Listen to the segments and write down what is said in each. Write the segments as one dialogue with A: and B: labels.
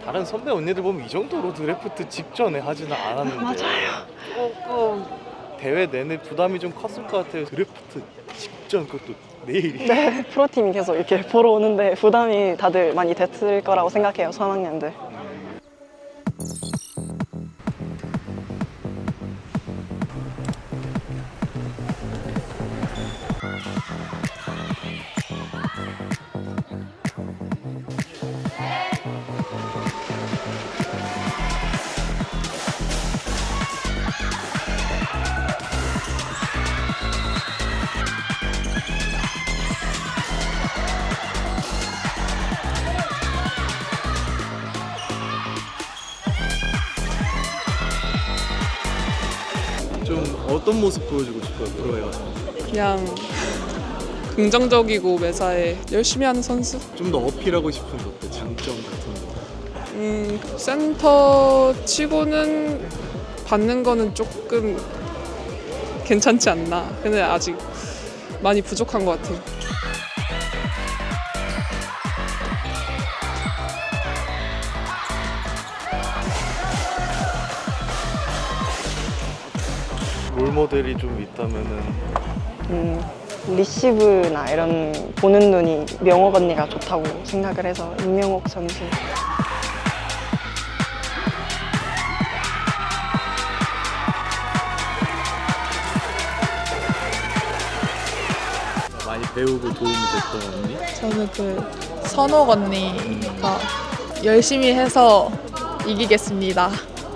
A: 다른 선배 언니들 보면 이 정도로 드래프트 직전에 하지는 않았는데
B: 맞아요.
A: 조금 대회 내내 부담이 좀 컸을 것 같아요. 드래프트 직전 그것도 내일이.
B: 네, 프로팀이 계속 이렇게 보러 오는데 부담이 다들 많이 됐을 거라고 생각해요, 3학년들.
A: 좀 어떤 모습 보여주고 싶어요, 프로에 가서?
C: 그냥 긍정적이고 매사에 열심히 하는 선수?
A: 좀 더 어필하고 싶은 것들, 장점 같은 거.
C: 센터 치고는 받는 거는 조금 괜찮지 않나. 근데 아직 많이 부족한 것 같아요.
A: 롤 모델이 좀 있다면은
B: 리시브나 이런 보는 눈이 명옥 언니가 좋다고 생각을 해서 임명옥 선수.
A: 많이 배우고 도움이 됐던 언니?
D: 저는 그 선옥 언니가 열심히 해서 이기겠습니다.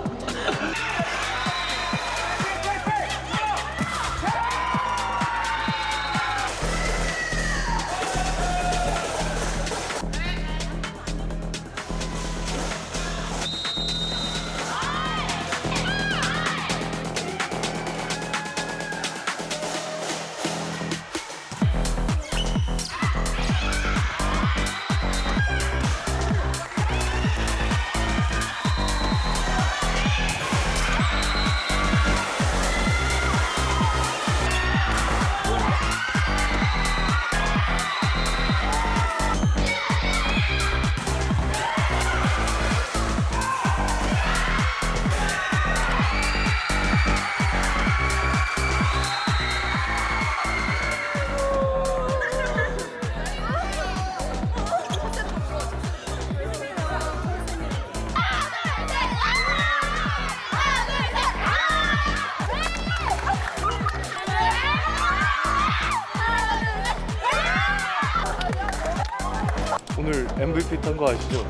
A: 오늘 MVP 탄 거 아시죠?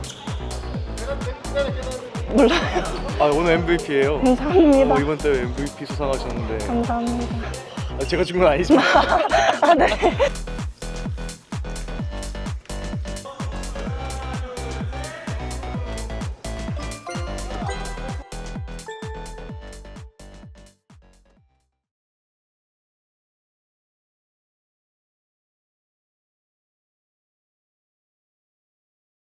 B: 몰라요.
A: 아, 오늘 MVP예요.
B: 감사합니다.
A: 이번 대회 MVP 수상하셨는데
B: 감사합니다.
A: 제가 준 건 아니지만
B: 아, 네.